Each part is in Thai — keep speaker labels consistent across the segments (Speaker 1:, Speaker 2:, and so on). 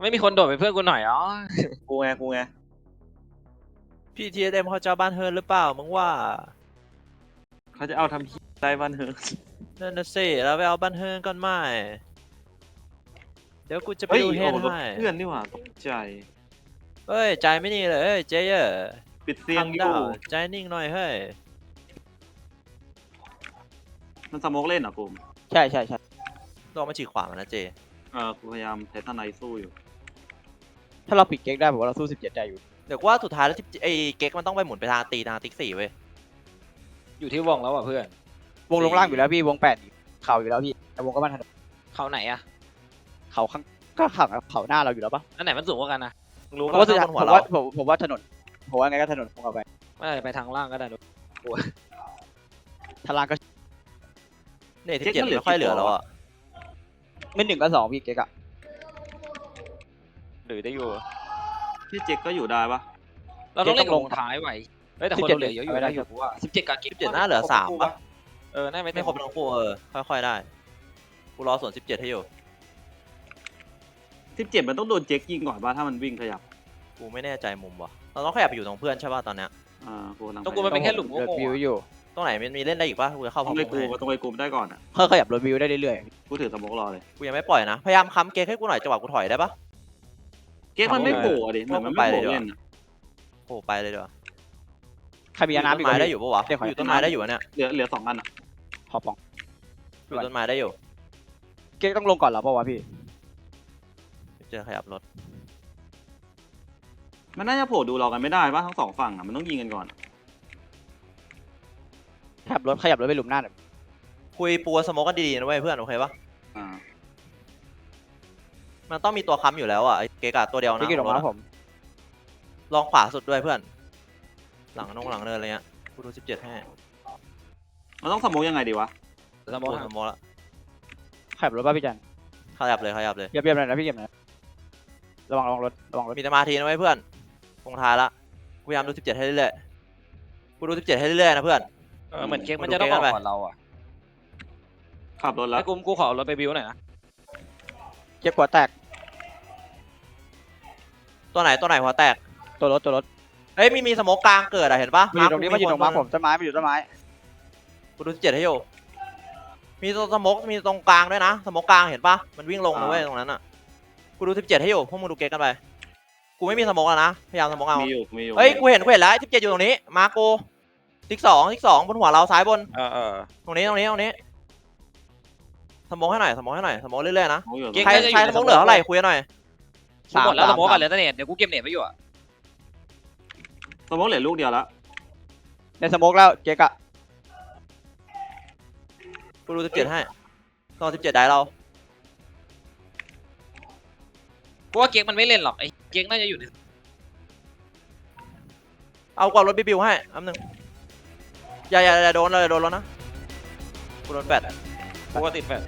Speaker 1: ไม่มีคนโดดเป็นเพื่อนกูหน่อยอ๋อ
Speaker 2: กูไง
Speaker 3: พี่ทีเอ็มเขาจะบ้านเฮิร์นหรือเปล่ามึงว่า
Speaker 2: เขาจะเอาทำที่ได้บ้านเฮอ
Speaker 3: นั่นน่ะสิเราไปเอาบ้านเฮิร์นก่อนไหมเดี๋ยวกูจะไปดูเฮนให้
Speaker 2: เพื่อนนี่หว่าตกใจ
Speaker 3: เฮ้ยใจไม่นี่เลยเฮ้ยเจ๊เยอะ
Speaker 2: ปิดเสียงอยู่
Speaker 3: ใจนิ่งหน่อยเฮ้ย
Speaker 2: มันสโมกเล่นเหรอกู
Speaker 4: ใช่
Speaker 3: ลองมาฉีกขวามันนะเจ
Speaker 2: กูพยายามใช้ทนายสู้อยู่
Speaker 4: ถ้าเราปิดเก๊กได้ผมว่าเราสู้17ได้อยู่
Speaker 3: เดี๋ยวว่าสุดท้ายแล้วที่ไอ้เก๊กมันต้องไปหมุนไปทางตีทางติ๊ก4เว้ย
Speaker 1: อยู่ที่วงแล้วอ่ะเพื่อน
Speaker 4: วงลงล่างอยู่แล้วพี่วง8เข่าอยู่แล้วพี่แต่วงก็บ้านถนน
Speaker 1: เขาไหนอะ
Speaker 4: เขาข้างก็ข้างเขาหน้าเราอยู่แล้วปะ
Speaker 1: อันไหนมันสูงกว่ากันนะ
Speaker 3: รู้
Speaker 4: ผมว่าผมว่าถนนผมว่าไงก็ถนนผมเอาไป
Speaker 1: ไม่ได้ไปทางล่างก็ได้ดู
Speaker 4: ทางล่างก็
Speaker 3: เนี่ยที่7ไม่ค่อยเหลือแล้วอ่ะ
Speaker 4: ไม่1ก็2พี่เก๊กอะ
Speaker 1: หรือได้อยู่
Speaker 2: พี่เจ๊กก็อยู่ได้ปะ
Speaker 1: เราต้องเล่นลงท้ายไหวแต่คนเหลือเยอะอยู่ได้อยู่ว่า17กับ
Speaker 3: 17น่าเหลือ3ป่ะ
Speaker 1: น่า
Speaker 3: ไม่ครบทั้งคู่ค่อยๆได้กูรอส่วน17ให้อยู่
Speaker 2: 17มันต้องโดนเจ๊กยิงก่อนป่ะถ้ามันวิ่งขยับ
Speaker 3: กูไม่แน่ใจมุมว่ะเราต้องขยับไปอยู่ตรงเพื่อนใช่ป่ะตอนเนี้ย
Speaker 1: ต้องกูมันเป็นแค่หลุมโง่
Speaker 4: วิวอยู่
Speaker 3: ตรงไหนมันมีเล่นได้อีกป่ะกูจะเข้าพร้อม
Speaker 2: กูต้องไปกูได้ก่อนอ่ะ
Speaker 4: ขยับรถวิวได้เรื่อย
Speaker 2: ๆกูถือสโมกรอเลย
Speaker 3: กูยังไม่ปล่อยนะพยายามค้ำเก๊กให้กูหน่อยจังหวะกูถอยได้ป่ะ
Speaker 2: เก๊กมันไม่โผล่ดิเหมือนมันไม่โผล่เล่น
Speaker 3: โผล่ไปเลยดีกว่า
Speaker 4: ใครมีน้ำ
Speaker 3: ต้นไม้ได้อยู่ปะวะอยู่ต้นไม้ได้อยู่เนี่ย
Speaker 2: เหลือ2 อันอ่ะ
Speaker 4: ขอปอง
Speaker 3: อยู่ต้นไม้ได้อยู่
Speaker 4: เก๊กต้องลงก่อนเหรอปะวะพี่
Speaker 3: เจอขยับรถ
Speaker 2: มันน่าจะโผล่ดูเรากันไม่ได้ป่ะทั้ง2 ฝั่งอ่ะมันต้องยิงกันก่อน
Speaker 4: ขยับรถไปหลุมหน้าหน่อย
Speaker 3: คุยปัวสโมกันดีๆนะเว้ยเพื่อนโอเคปะมันต้องมีตัวค้ำอยู่แล้วอ่ะเกกาตัวเดียวนะ
Speaker 4: ผม
Speaker 3: ลองขวาสุดด้วยเพื่อนหลังเนินอะไรเงี้ยกูดู17ให้
Speaker 2: มันต้องสโมกยังไงดีวะ
Speaker 3: สโมกละ
Speaker 4: ขยับรถป่ะพี่จัน
Speaker 3: ขยับเลย
Speaker 4: เบียบหน่อยนะพี่เก็บหน่อยระวังรถ
Speaker 3: มีสมาธินะเว้ยเพื่อนตรงท้ายละพยายามดู17ให้เรื่อยๆกูดู17ให้เรื่อยๆนะเพื่อน
Speaker 1: เหมือนเก๊กมันจะต้องออกก่อนเราอ่ะ
Speaker 2: ขับรถแล้ว
Speaker 1: กูขอรถไปบิวหน่อยนะ
Speaker 4: เก๊กหัวแตก
Speaker 3: ตัวไหนหัวแตก
Speaker 4: ตัวรถ
Speaker 3: เฮ้ยมีสโมกกลางเกิดอะเห็นปะ
Speaker 4: มันอยู่ตรงนี้มันอยู่ตรงม้าผมต้นไม้
Speaker 3: กูดู17ให้อยู่มีตัวสโมกมีตรงกลางด้วยนะสโมกกลางเห็นปะมันวิ่งลงนะเว้ยตรงนั้นอ่ะกูดู17ให้อยู่พวกมึงดูเก๊กกันไปกูไม่มีสโมกแล้วนะพยายามสโมกเอา
Speaker 2: มีอยู่
Speaker 3: เฮ้ยกูเห็นแล้ว17อยู่ตรงนี้มาโกติ๊ก2บนหัวเราซ้ายบนตรงนี้สโมกให้หน่อยสโมกเรื่อยๆนะใครสโมกเหลือเท่าไหร่คุยหน่อย
Speaker 1: หมดแล้วสโมกกันเหลือแต่เน็ตเดี๋ยวกูเก็บเน็ตไว้อยู่อะ
Speaker 2: สโมกเหลือลูกเดียวแล้ว
Speaker 4: ในสโมกแล้วเก๊กอะ
Speaker 3: กูดู17ให้ตอน17ได้เรา
Speaker 1: กูว่าเก๊กมันไม่เล่นหรอกไอ้เก๊กน่าจะอยู่ใน
Speaker 3: เอากว่ารถบิวให้อันนึงอย่าโดนเลยแล้วนะกูโดน8
Speaker 1: กูก็ติด8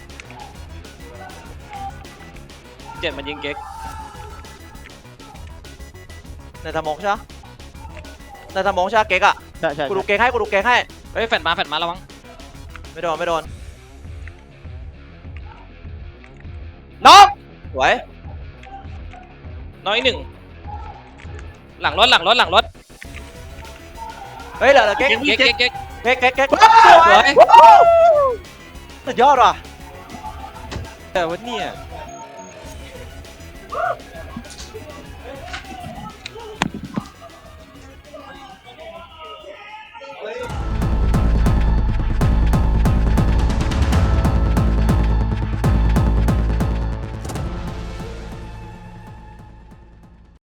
Speaker 1: 7มันยิงเก๊ก
Speaker 3: ในสโมกใช่ไหมเก๊กอะ
Speaker 4: ใช่
Speaker 3: กูดูเก๊กให้
Speaker 1: เฮ้ยแฟนมาระวัง
Speaker 3: ไม่โดน
Speaker 4: น้อง
Speaker 3: สวย
Speaker 1: น้อย1หลังรถ
Speaker 3: เฮ้ยเหลือเก๊กสวยสุดยอดว่ะ
Speaker 1: แต่วันนี้